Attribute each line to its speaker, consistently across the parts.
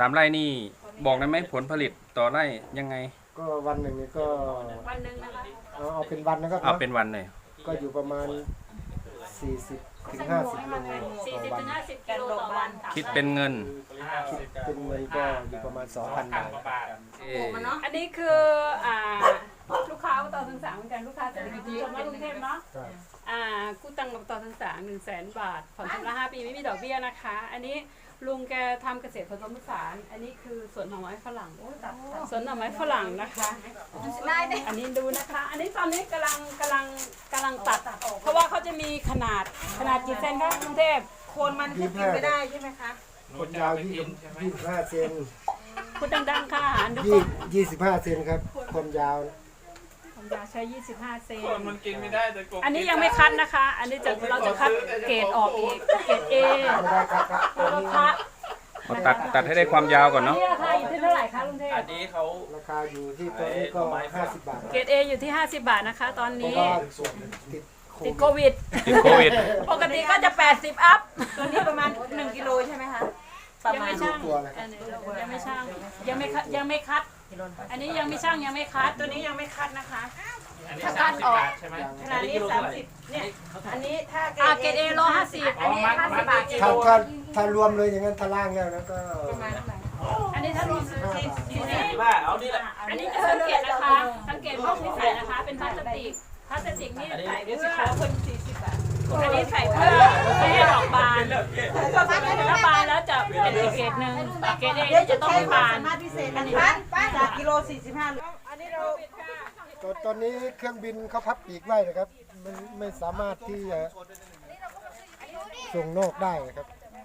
Speaker 1: 3 ไร่นี่บอกได้ไหมผลผลิตต่อไร่ยังไง
Speaker 2: ก็วันหนึ่งนี่ก็
Speaker 3: วันหนึ่งนะคะ
Speaker 2: เอาเป็นวันนะครับ
Speaker 1: เอาเป็นวันเลย
Speaker 2: ก็อยู่ประมาณ40 ถึง 50 โลต่อวัน
Speaker 3: 40 ถึง 50 กิโลต่อวัน
Speaker 1: คิดเป็นเงิน
Speaker 2: เป็นเงินก็อยู่ประมาณ 2,000 บาท
Speaker 3: อันนี้คือลูกค้าต่อทั้งสามเหมือนกันลูกค้าจากกรุงเทพเนาะกู้ตังค์กับต่อทั้งสาม100,000 บาทผ่อนชำระ5 ปีไม่มีดอกเบี้ยนะคะอันนี้ลุงแกทำเกษตรผสมผสานอันนี้คือสวนหน่อไม้ฝรั่งสวนหน่อไม้ฝรั่งนะคะอันนี้ดูนะคะอันนี้ตอนนี้กำลังตัดเพราะว่าเขาจะมีขนาดกี่เซนคะกรุงเทพ
Speaker 4: โคนมันขึ้นกินไม่ได้ใช่ไหมคะ
Speaker 2: คนยาว25 เซน
Speaker 3: พูดดังๆค่ะ
Speaker 2: 25 เซนครับคนยาว
Speaker 3: ใช้25 เซน
Speaker 5: มันกินไม่ได้แต่
Speaker 3: อันนี้ยังไม่คัดนะคะอันนี้เราจะคัดเกรดออกอีกเกรด A แล้วก็คัด
Speaker 1: ตัดให้ได้ความยาวก่อนเนาะ
Speaker 3: ราคาอยู่ที่เท่าไหร่คะลุงเทพ
Speaker 5: อันนี้เขา
Speaker 2: ราคาอยู่ที่ตัวนี้ก็50 บาท
Speaker 3: เกรด A อยู่ที่50 บาทนะคะตอนนี้ติดโควิดปกติก็จะ80 อัพ
Speaker 4: ตัวนี้ประมาณ1 กิโลใช่ไหมคะ
Speaker 3: ยังไม่ช่างยังไม่ช่างยังไม่คัดอันนี้ยังไม่ช่างยังไม่คัด
Speaker 4: ตัวนี้ยังไม่คัดนะคะ
Speaker 5: ถ้าคัดออก
Speaker 4: ใช่ไหมขนาดนี้30เนี่ยอันนี้ถ้า
Speaker 3: เกรด A โล50อันนี้50 บาท
Speaker 2: ถ้ารวมเลยอย่างนั้นตารางแล้วนะก็
Speaker 4: ประมาณเท่าไหร่
Speaker 3: อันนี้ถ้ารวม
Speaker 5: ว่าเอานี่แหละ
Speaker 3: อันนี้จะสังเกตนะคะสังเกตพวกที่ใส่นะคะเป็นพลาสติกนี่ใส่เพื่อคน40 บาทอันนี้ใส่เพื่อไม่ให้ดอกบานถ้าบานแล้วจะเป็นอีกเกรดหนึ่งเกรด A จะต้องบาน
Speaker 4: พิเศษอันนี้จากกิโล45อันนี้เรา
Speaker 2: ตอนนี้เครื่องบินเขาพับปีกไว้นะครับมันไม่สามารถที่จะส่งนอกได้นะครับ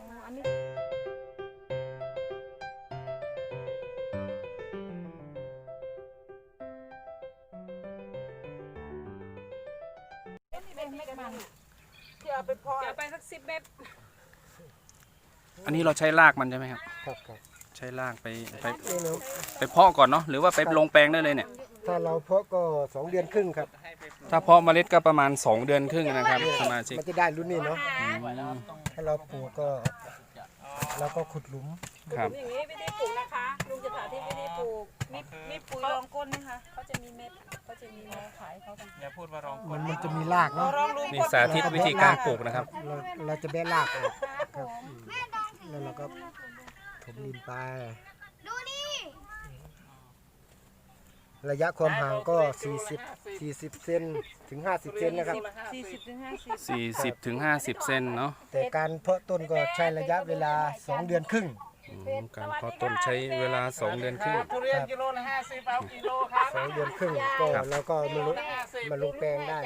Speaker 3: จะไปสัก10 เมตร
Speaker 1: อันนี้เราใช้รากมันใช่ไหมครับ
Speaker 2: ครับ
Speaker 1: ใช้รากไปเพาะก่อนเนาะหรือว่าไปลงแปลงได้เลยเนี่ย
Speaker 2: ถ้าเราเพาะก็2 เดือนครึ่งครับ
Speaker 1: ถ้าเพาะเมล็ดก็ประมาณ2 เดือนครึ่งนะครับสมาชิก
Speaker 2: มันจะได้รุ่นนี้เนาะถ้าเราปลูกก็เราก็ขุดหลุม
Speaker 1: ครับ
Speaker 3: อย่างนี้วิธีปลูกนะคะลุงจะสาธิตวิธีปลูก
Speaker 4: มีปุ๋ยรองก้นไหมคะ
Speaker 3: เขาจะมีเม็ดขายเขากัน
Speaker 5: อย่าพูดว่ารองก้น
Speaker 2: มันจะมีรากเนาะ
Speaker 1: นี่สาธิตวิธีการปลูกนะครับ
Speaker 2: เราจะแบะรากออกครับแล้วเราก็ถมดินไประยะความห่างก็40 เซนถึง 50 เซนนะครับ
Speaker 1: 40 ถึง 50 เซนเนาะ
Speaker 2: แต่การเพาะต้นก็ใช้ระยะเวลา2 เดือนครึ่ง
Speaker 1: การเพาะต้นใช้เวลา2 เดือนครึ่ง
Speaker 5: ทุเรียนกิโลละ50เอากิโลครับ
Speaker 2: 2 เดือนครึ่งก็แล้วก็มาลงแปลงได้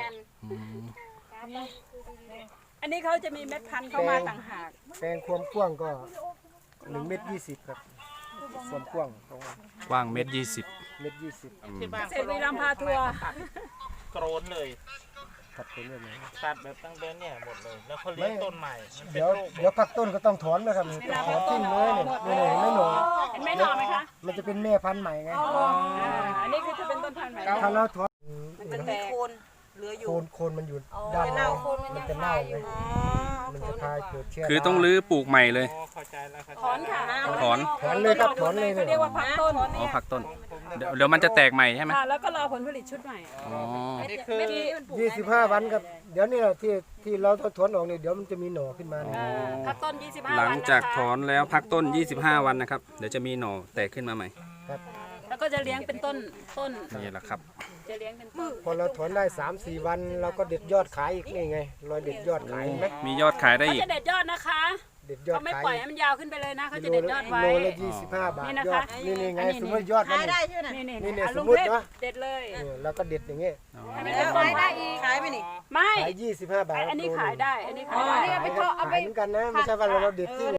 Speaker 3: อันนี้เขาจะมีเม็ดพันธุ์เข้ามาต่างหาก
Speaker 2: แปลงความกว้างก็1.20 เมตรครับความกว้าง
Speaker 1: 1.20 เมตร
Speaker 2: 1.20 เมตร
Speaker 3: เสร็จวีรัมพาทัวร์
Speaker 5: โกรนเลย
Speaker 2: ตัดต้นเลย
Speaker 5: ตัดแบบตั้งแต่เนี่ยหมดเลยแล้วเขาเลี้ยงต้นใหม่
Speaker 2: เดี๋ยวพักต้นก็ต้องถอนนะครับถอนทิ้งเลยเนี่ยไม่หน่อ
Speaker 3: ไม่หน่อไหมคะ
Speaker 2: มันจะเป็นแม่พันธุ์ใหม่ไง
Speaker 3: อันนี้คือจะเป็นต้นพันธุ์ใหม่
Speaker 2: ถ้าเราถอน
Speaker 4: มันมีโคนเหลืออยู่
Speaker 2: โคนมันอยู่ด้านนอกมันจะเน่าไงมันจะพายเกิดเชื้อ
Speaker 1: คือต้องรื้อปลูกใหม่เลย
Speaker 3: ถอนค่ะ
Speaker 1: ถอน
Speaker 2: เลยครับถอนเลย
Speaker 3: เรียกว่าพักต้น
Speaker 1: พักต้นเดี๋ยวมันจะแตกใหม่ใช่ไหม
Speaker 3: แล้วก็รอผลผลิตชุดใหม่
Speaker 2: 25 วันครับเดี๋ยวนี้ที่เราถอนออกเนี่ยเดี๋ยวมันจะมีหน่อขึ้นมา
Speaker 3: พักต้น25 วัน
Speaker 1: หลังจากถอนแล้วพักต้น25 วันนะครับเดี๋ยวจะมีหน่อแตกขึ้นมาใหม่
Speaker 2: ครับ
Speaker 3: แล้วก็จะเลี้ยงเป็นต้น
Speaker 1: นี่แหละครับ
Speaker 3: จะเลี้ยงเป็นต้น
Speaker 2: พอเราถอนได้ 3-4 วันเราก็เด็ดยอดขายอีกนี่ไงรอยเด็ดยอดขายไหม
Speaker 1: มียอดขายได้อีก
Speaker 3: เขาจะเด็ดยอดนะคะเขาไม่ปล่อยให้มันยาวขึ้นไปเลยนะเขาจะเด็ดยอดไว้
Speaker 2: โลละ25 บาทยอดนี่ไงสมมติยอดมัน
Speaker 4: ได้ใช่ไหม
Speaker 2: นี่สมมติเนาะ
Speaker 3: เด็ดเลย
Speaker 2: แล้วก็เด็ดอย่างเงี้ย
Speaker 4: ขายได้อีกขายไหมนี่
Speaker 3: ไม่
Speaker 2: ขาย25 บาท
Speaker 3: อันนี้ขายได้อันนี้ขายได้
Speaker 2: เอาไปเหมือนกันนะไม่ใช่ว่าเราเด็ดที่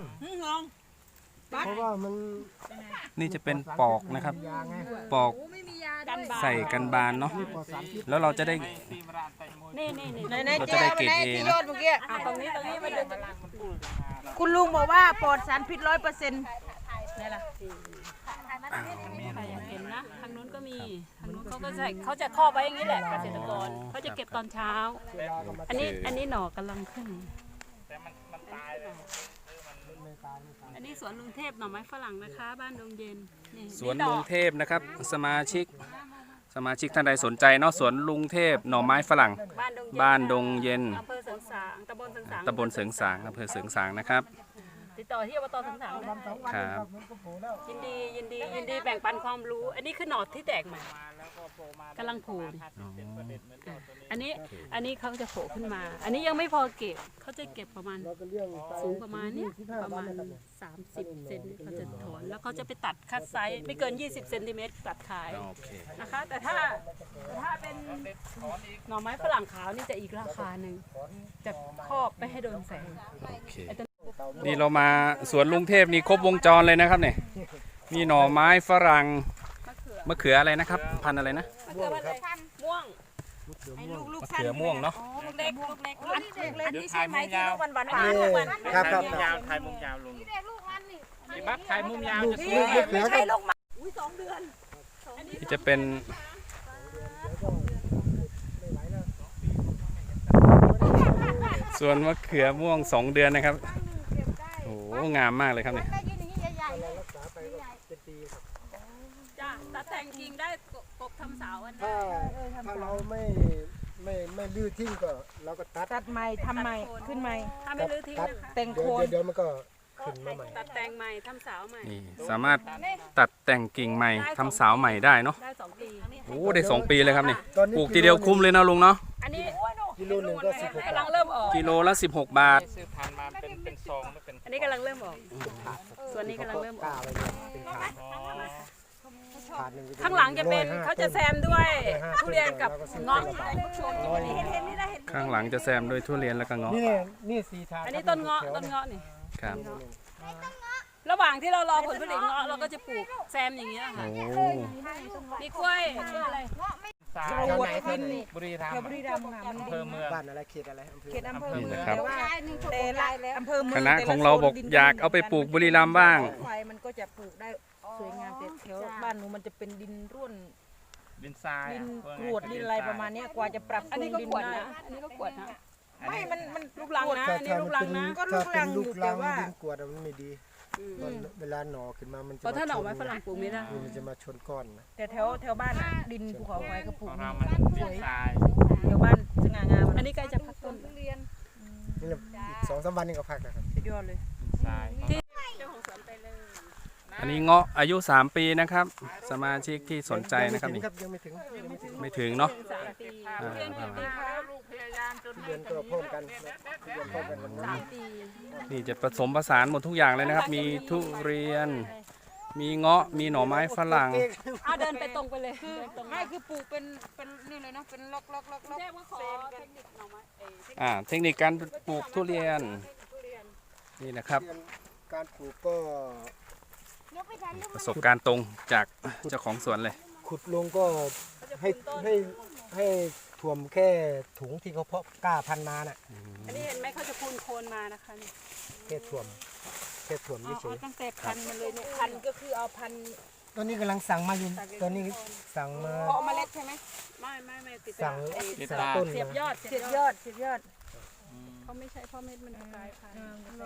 Speaker 2: เพราะว่ามัน
Speaker 1: นี่จะเป็นปอกนะครับปอกใส่กันบานเนาะแล้วเราจะได้เราจะได้เกรด A นะ
Speaker 3: ตรงนี้มันจะ
Speaker 4: คุณลุงบอกว่าปลอดสารพิษ100%นี่แหละ
Speaker 3: เห็นนะทางนู้นก็มีทางนู้นเขาจะครอบไว้อย่างนี้แหละเกษตรกรเขาจะเก็บตอนเช้าอันนี้หน่อกำลังขึ้นอันนนี้สวนลุงเทพหน่อไม้ฝรั่งนะคะ บ้านดงเย็นนี่
Speaker 1: สวนลุงเทพนะครับสมาชิกท่านใดสนใจเนาะสวนลุงเทพหน่อไม้ฝรั่ง บ้านดงเย็น
Speaker 3: อำเภอเสริงสางตำบลเสริงสาง
Speaker 1: ตำบลเสริงสางอำเภอเสริงสางนะครับ
Speaker 3: ติดต่อที่อบตเสริงสางเลย
Speaker 1: ครับ
Speaker 3: ยินดีแบ่งปันความรู้ อันนี้คือหนอดที่แตกใหม่กำลังโผล่อันนี้เขาจะโผล่ขึ้นมา อันนี้ยังไม่พอเก็บเขาจะเก็บประมาณสูงประมาณเนี้ยประมาณ30 เซนเขาจะถอนแล้วเขาจะไปตัดคัดไซส์ไม่เกิน20 เซนติเมตรตัดขาย
Speaker 1: โอเค
Speaker 3: นะคะแต่ถ้าเป็นหน่อไม้ฝรั่งขาวนี่จะอีกราคาหนึ่งจะครอบไม่ให้โดนแสง
Speaker 1: โอเคนี่เรามาสวนลุงเทพนี่ครบวงจรเลยนะครับเนี่ยมีหน่อไม้ฝรั่งมะเขืออะไรนะครับ พันธุ์อะไรนะ
Speaker 3: มะเขืออะไรม่วง
Speaker 1: มะเขือม่วงเนาะ
Speaker 3: ลูกเล็กอันนี้
Speaker 5: ถ่ายมุมยาว
Speaker 3: หวาน
Speaker 2: นี่
Speaker 3: ๆ
Speaker 2: ครับ
Speaker 5: ถ่าย
Speaker 2: ครับ
Speaker 5: มุมยาวถ่ายมุมยาวลุงพี่บักถ่ายมุมยาวจะส
Speaker 2: ลู
Speaker 5: วย
Speaker 2: กมะเขือครับ
Speaker 1: ที่จะเป็นสวนมะเขือม่วง2 เดือนนะครับโอ้โหงามมากเลยครับเนี่ย
Speaker 3: จ้ะตัดแต่งกิ่งได้กบทำเสาอัน
Speaker 2: ถ้าเราไม่ลื้อทิ้งก็เราก็ตัด
Speaker 4: ตัดใหม่ทำใหม่ขึ้นใหม่
Speaker 3: ถ้าไม่รื้อทิ้งนะคะ
Speaker 4: แต่ง
Speaker 2: เดี๋
Speaker 4: โค
Speaker 2: ยวน เดี๋ยวมันก็ขึ้นมาใหม่
Speaker 3: ตัดแต่งใหม่ทำเสาใหม่
Speaker 1: นี่สามารถตัดแต่งกิ่งใหม่ทำเสาใหม่ได้เนาะ
Speaker 3: ได้2 ปี
Speaker 1: โอ้ได้2 ปีเลยครับนี่
Speaker 2: ตอนนี้
Speaker 1: ปลูกทีเดียวคุ้มเลยนะลุงเนาะ
Speaker 3: อันนี้
Speaker 2: กิโลหนึ่งก็16
Speaker 3: กำลังเริ่มออก
Speaker 1: กิโลละ16 บาท
Speaker 5: ซื้อพันธุ์มาเป็นซองไม่เป็น
Speaker 3: อันนี้กำลังเริ่มออก ส่วนนี้กำลังเริ่มออก
Speaker 2: เป็นถาด
Speaker 5: อ๋อ
Speaker 2: ถาดหนึ่ง
Speaker 3: ข้างหลังจะเป็นเขาจะแซมด้วยทุเรียนกับเงาะ
Speaker 1: ข้างหลังจะแซมด้วยทุเรียนแล้วก็เงาะ
Speaker 2: นี่4ถาด
Speaker 3: อันนี้ต้นเงาะนี่
Speaker 1: ครับ
Speaker 3: ระหว่างที่เรารอผลผลิตเงาะเราก็จะปลูกแซมอย่างเงี้ยค่ะ
Speaker 1: โอ้
Speaker 3: มีกล้วยอะไร
Speaker 5: สาย
Speaker 4: กรวดดิน
Speaker 5: บุรีรัม
Speaker 4: แถว
Speaker 5: ย์
Speaker 4: บุรีรัมย์ค่ะมัน
Speaker 5: อำเภอเมือง
Speaker 2: บ้านอะไรเขตอะไรอำเภอ
Speaker 4: เขตอำเภอเมือง
Speaker 1: นี่นะครับ
Speaker 4: แต่ว่าแต่ละอำเภอเมือง
Speaker 1: คณะของเราบอกอยากเอาไปปลูกบุรีรัมย์บ้าง
Speaker 4: ไฟมันก็จะปลูกได้สวยงามแต่แถวบ้านหนูมันจะเป็นดินร่วน
Speaker 5: ดินทราย
Speaker 4: ดิน
Speaker 5: อะ
Speaker 4: กรวดดินอะไรประมาณเนี้ยกว่าจะปรับป
Speaker 3: อัน
Speaker 4: รุ
Speaker 3: นี้
Speaker 4: ง
Speaker 3: ก็
Speaker 4: ดิน
Speaker 3: ขวด
Speaker 4: ได้
Speaker 3: นะอันนี้ก็ขวดนะ
Speaker 4: ไม่มัน
Speaker 3: ลูกรังนะ
Speaker 2: ถ้า
Speaker 3: อันนี้ลูกรังนะ
Speaker 4: ก็ลูกรังอยู่
Speaker 2: ลูก
Speaker 4: แต่
Speaker 2: รัง
Speaker 4: ว่า
Speaker 2: ดินกวดมันไม่ดีตอนเวลาหน่อขึ้นมามันจะ
Speaker 3: เพราะถ้าหน่อไม้
Speaker 2: ช
Speaker 3: ฝรั่งปลูกไม่ได้
Speaker 2: มันจะมาชนก้อนนะ
Speaker 4: แต่แถวบ้านอะดินภูเขาไฟก็ปลู
Speaker 5: ข
Speaker 4: ก
Speaker 5: องเรามันดินทราย
Speaker 4: แถวบ้านสง่างาม
Speaker 3: อันนี้ใกล้จะพักต้น
Speaker 2: นี่แหละอีก2-3 วันนี่ก็พักนะครับ
Speaker 4: สุดยอดเลย
Speaker 5: ดินทราย
Speaker 3: เจ้าของสวนไปเลย
Speaker 1: อันนี้เงาะอายุ3 ปีนะครับ สมาชิกที่สนใจนะครับนี่
Speaker 2: ยังไม่ถึง
Speaker 1: ไม่ถึงเนาะ
Speaker 3: 3 ปี
Speaker 1: อ่า
Speaker 3: เรียนกี่ปีคะ
Speaker 2: เดือนก็พร้อมกันเดือนพร้อมกันวันนั้น
Speaker 3: 3 ปี
Speaker 1: นี่จะผสมผสานหมดทุกอย่างเลยนะครับ มีทุเรียน มีเงาะมีหน่อไม้ฝรั่ง
Speaker 3: เดินไปตรงไปเลยเดินตรง
Speaker 4: ไม่คือปลูกเป็นนี่เลยเนาะเป็นล็อก
Speaker 3: แจ้งว่าขอเทคนิคหน่อไม้
Speaker 1: เทคนิคการปลูกทุเรียนนี่นะครับ
Speaker 2: การปลูกก็
Speaker 1: ประสบการณ์ตรงจากเจ้าของสวนเลย
Speaker 2: ขุดลงก็ให้ให้ถ่วมแค่ถุงที่เขาเพาะกล้าพันมาน่ะ
Speaker 3: อันนี้เห็นไหมเขาจะพูนโคนมานะคะนี่
Speaker 2: แค่ถ่วมเฉ
Speaker 3: เอา
Speaker 2: ย
Speaker 3: ตั้งแต่พันมันเลยเนี่ย
Speaker 4: พันธุ์ก็คือเอาพันธุ์
Speaker 2: ๆตอนนี้กำลังสั่งมาอยู่ตอนนี้สั่งมา
Speaker 4: เพาะเมล็ดใช่ไหม
Speaker 3: ไม่ติด
Speaker 2: สั่ง
Speaker 3: ไอ้
Speaker 2: สั่งต้น
Speaker 3: เสียบย
Speaker 2: มา
Speaker 3: อด
Speaker 4: เสียบยอดเสียบยอด
Speaker 3: เขาไม่ใช่พ่อเม็ดมันกลายพันธุ์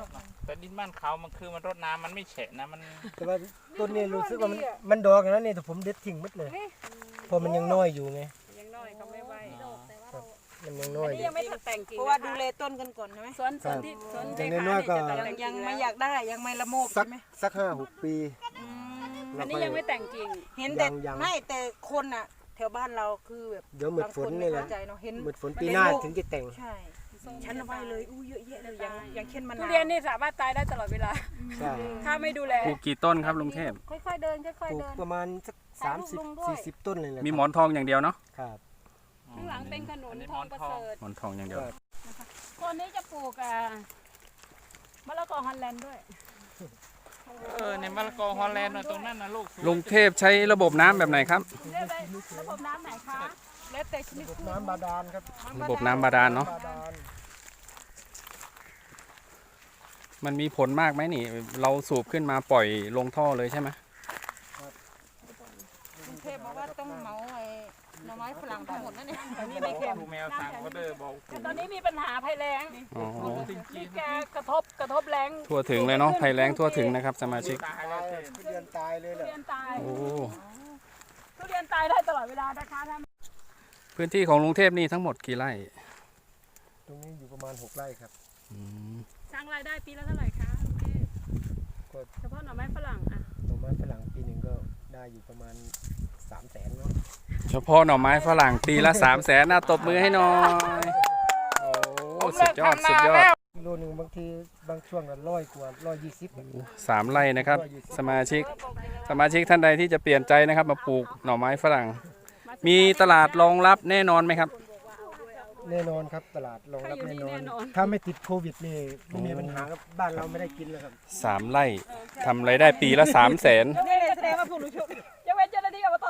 Speaker 5: แต่ดินบ้านเขามันคือมันรดน้ำมันไม่แฉะนะมัน
Speaker 2: แต่ว่าต้นนี้รู้สึกว่ามันดอกอย่างนั้นนี่แต่ผมเด็ดทิ้งหมดเลยเพราะมันยังน้อยอยู่ไง
Speaker 3: ยังน้อยเขาไม่ไหว
Speaker 2: มันยังน้อ
Speaker 3: อั
Speaker 2: ย
Speaker 3: น
Speaker 2: อ
Speaker 3: นี้
Speaker 2: ยู่
Speaker 3: ยังไม่ตัดแต่งกิ่ง
Speaker 4: เพราะว่าดูแลต้นกันก่อนใช่ไหม
Speaker 3: สวนที่สวน
Speaker 2: อย่างน้อยๆก็
Speaker 3: จะตัดแต่ง
Speaker 4: ยั
Speaker 3: กิ่
Speaker 4: ง
Speaker 3: ง
Speaker 4: ไม่
Speaker 3: แล้ว
Speaker 4: อยากได้ยังไม่ละโมบ
Speaker 2: สัก
Speaker 4: ใช่ไหม
Speaker 2: สัก5-6 ปี
Speaker 3: อันนี้ยังไม่แต่งกิ่ง
Speaker 4: เห็นแต่
Speaker 2: ยัง
Speaker 4: ไม่แต่คนอ่ะ แถวบ้านเราคือแบบ
Speaker 2: เดี๋ยวหมด
Speaker 4: บาง
Speaker 2: ฝ
Speaker 4: คน
Speaker 2: น
Speaker 4: ไม่
Speaker 2: นี่แหละ
Speaker 4: เข้าใจเนาะเห็น
Speaker 2: หมดฝนปีหน้าถึงจะแต่ง
Speaker 4: ใช่ฉันเอาไว้เลยอู้เยอะแยะเลยยังเช่นมะ
Speaker 3: ทุ
Speaker 4: นาว
Speaker 3: เรียนนี่สามารถตายได้ตลอดเวลา
Speaker 2: ใช่
Speaker 3: ถ้าไม่ดูแล
Speaker 1: ปลูกกี่ต้นครับลุงเทพ
Speaker 3: ค่อยๆเดินค่อย
Speaker 2: ปลู
Speaker 3: ๆ
Speaker 2: ก
Speaker 3: เดิน
Speaker 2: ประมาณสัก30-40 ต้นเลยแหละ
Speaker 1: มีหมอนทองอย่างเดียวเนาะ
Speaker 2: ครับ
Speaker 3: ข้างหลังเป็นขนุนทองประเสริฐ
Speaker 1: หมอนทองอย่างเดียว
Speaker 3: คนนี้จะปลูกมะละกอฮอลแลนด์ด้วย
Speaker 5: ในมะละกอฮอลแลนด์น่ะตรงนั้นนะลูกสวย
Speaker 1: ลุงเทพใช้ระบบน้ำแบบไหนครับ
Speaker 3: เรียกได้ระบบน้ำไหนคะ
Speaker 4: แล้วแต่ชนิดพืช
Speaker 2: น้ำบาดาลครับ
Speaker 1: ระบบน้ำบาดาลเนาะ
Speaker 2: บาดาล
Speaker 1: มันมีผลมากไหมนี่ เราสูบขึ้นมาปล่อยลงท่อเลยใช่ไหม
Speaker 4: กรุงเทพบอกว่าต้องเหมาไอ้หน่อไม้ฝรั่งทั้งหมดนั่นเนี่ย
Speaker 3: อันนี้ไม่เค็ม
Speaker 5: ดูแมวสั่งก็เด้อบอก
Speaker 3: แต่ตอนนี้มีปัญหาภัยแล้ง
Speaker 1: อ๋อ
Speaker 3: นี่แกกระทบแรง
Speaker 1: ทั่วถึงเลยเนาะภัยแล้งทั่วถึงนะครับสมาชิก
Speaker 5: ตายแล้วเจ๊
Speaker 2: ทุเรียนตายเลย
Speaker 3: ทุ
Speaker 2: แหละ
Speaker 3: เรียนตาย
Speaker 1: โอ้
Speaker 3: ทุเรียนตายได้ตลอดเวลานะคะท่าน
Speaker 1: พื้นที่ของลุงเทพนี่ทั้งหมดกี่ไร่
Speaker 2: ตรงนี้อยู่ประมาณ6 ไร่ครับ
Speaker 1: อืม
Speaker 3: สร้างรายได้ปีละเท่าไหร่คะโอเค
Speaker 2: ก็
Speaker 3: เฉพาะหน่อไม้ฝรั่งอ่ะ
Speaker 2: หน่อไม้ฝรั่งปีหนึ่งก็ได้อยู่ประมาณ300,000เนาะ
Speaker 1: เฉพาะหน่อไม้ฝรั่งปีละ300,000น่าตบมือให้หน่อยโอ้สุดยอดสุดยอด
Speaker 2: กิโลหนึ่งบางทีบางช่วงก็100 กว่า120
Speaker 1: 3 ไร่นะครับสมาชิกท่านใดที่จะเปลี่ยนใจนะครับมาปลูกหน่อไม้ฝรั่ง มีตลาดรองรับแน่นอนไหมครับ
Speaker 2: แน่นอนครับตลาดรองรับแน่นอน ถ้าไม่ติดโควิดนี่ไม่มีปัญหาครับบ้านเราไม่ได้กินแล้วครับ
Speaker 1: 3 ไร่ทำไรายได้ปีละ300,000
Speaker 4: นี่แสดงว่าพวกหนูชุบ
Speaker 3: ยกเว้นเจ้าหน้าที่อบต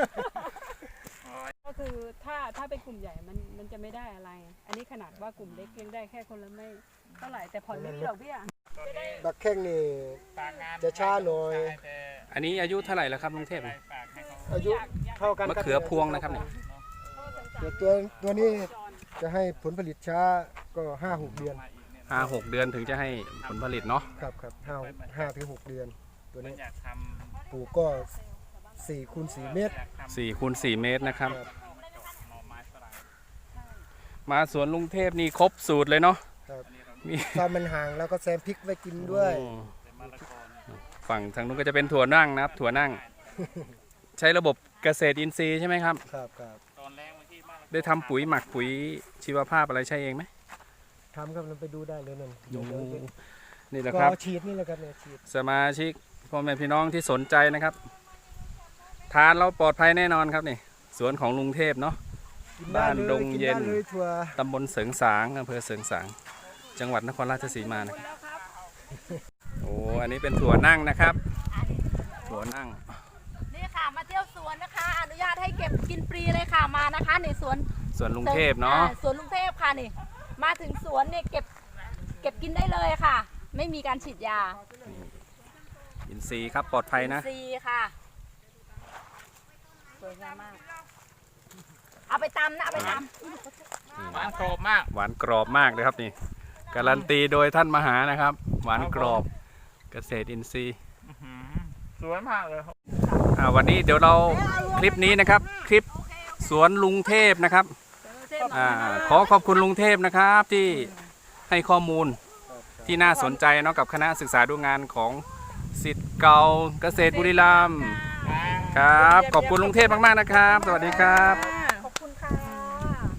Speaker 3: ก็คือถ้าเป็นกลุ่มใหญ่มันจะไม่ได้อะไร อันนี้ขนาดว่ากลุ่มเล็กยังได้แค่คนละไม่เท่าไหร่แต่ผ่อนไม่มีดอกเบี้ย
Speaker 2: บักแข้งนี่
Speaker 5: ฝากงาน
Speaker 2: จะช้าหน่อย
Speaker 5: แต่
Speaker 1: อันนี้อายุเท่าไหร่แล้วครับลุงเทพ
Speaker 5: ฝากให้เขา
Speaker 2: อายุเท่ากัน
Speaker 1: มะเขือพวงนะครับเนี่ย
Speaker 2: แต่ตัวนี้จะให้ผลผลิตช้าก็5-6 เดือน
Speaker 1: 5-6 เดือนถึงจะให้ผลผลิตเนาะ
Speaker 2: ครับ5 ถึง 6 เดือน ตัว
Speaker 5: มัน
Speaker 2: นี้
Speaker 5: อยากท
Speaker 2: ปลูกก็4 คูณ 4 เมตร
Speaker 5: ำอยากทำ
Speaker 1: 4คูณ4 เมตรนะครับ
Speaker 5: หน่อไม้ฝรั่ง
Speaker 1: มาสวนลุงเทพนี่ครบสูตรเลยเนาะ
Speaker 2: ครับ
Speaker 1: มี
Speaker 2: ถ้ามันห่างแล้วก็แซมพริกไว้กินด้วย
Speaker 1: โอ้
Speaker 5: เป็นมะละกอเนี่ย
Speaker 1: ฝั่งทางนู้นก็จะเป็นถั่วนั่งนะครับ ถั่วนั่ง ใช้ระบบเกษตรอินทรีย์ใช่ไหมครับ
Speaker 2: ครับ
Speaker 5: ตอนแรกบางทีมะละกอ
Speaker 1: ได้ทำปุ๋ยหมักปุ๋ยชีวภาพอะไรใช่เองไหม
Speaker 2: ทำครับเราไปดูได้เลยนั่น
Speaker 1: นี่แหละ
Speaker 2: ก็
Speaker 1: ครับ
Speaker 2: เอาฉีดนี่แหละครับเนี่ยฉีด
Speaker 1: สมาชิกพ่อแม่พี่น้องที่สนใจนะครับ ทานเราปลอดภัยแน่นอนครับนี่สวนของลุงเทพเนาะ
Speaker 2: กินได้เลย
Speaker 1: บ้านดงเย็น
Speaker 2: กิได้เลยถั่ว
Speaker 1: ตำบลเสริงสางอำเภอเสริงสางจังหวัดนครราชสีมานะครับโอ้อันนี้เป็นถั่วนั่งนะครับ ถั่วนั่ง
Speaker 4: นี่ค่ะมาเที่ยวสวนนะคะ อนุญาตให้เก็บกินฟรีเลยค่ะมานะคะในสวน
Speaker 1: ส่วนลุงเทพเนาะ
Speaker 4: สวนลุงเทพค่ะนี่มาถึงสวนเนี่ยเก็บกินได้เลยค่ะ ไม่มีการฉีดยา
Speaker 1: อินทรีย์ครับปลอดภัยนะ
Speaker 4: ฟรีค่ะสวยงามมาก เอาไปตำนะเอาไปตำ
Speaker 5: หวานกรอบมาก
Speaker 1: หวานกรอบมากเลยครับนี่การันตีโดยท่านมหานะครับ หวานกรอบเกษตรอินทรีย์
Speaker 5: อื้อหือสวยมากเลยครับ
Speaker 1: วันนี้เดี๋ยวเราคลิปนี้นะครับ คลิปสวนลุงเทพนะครับขอบคุณลุงเทพนะครับที่ให้ข้อมูลที่น่าสนใจเนาะกับคณะศึกษาดูงานของศิษย์เก่าเกษตรบุรีรัมย์ครับขอบคุณลุงเทพมากๆนะครับ สวัสดีครับ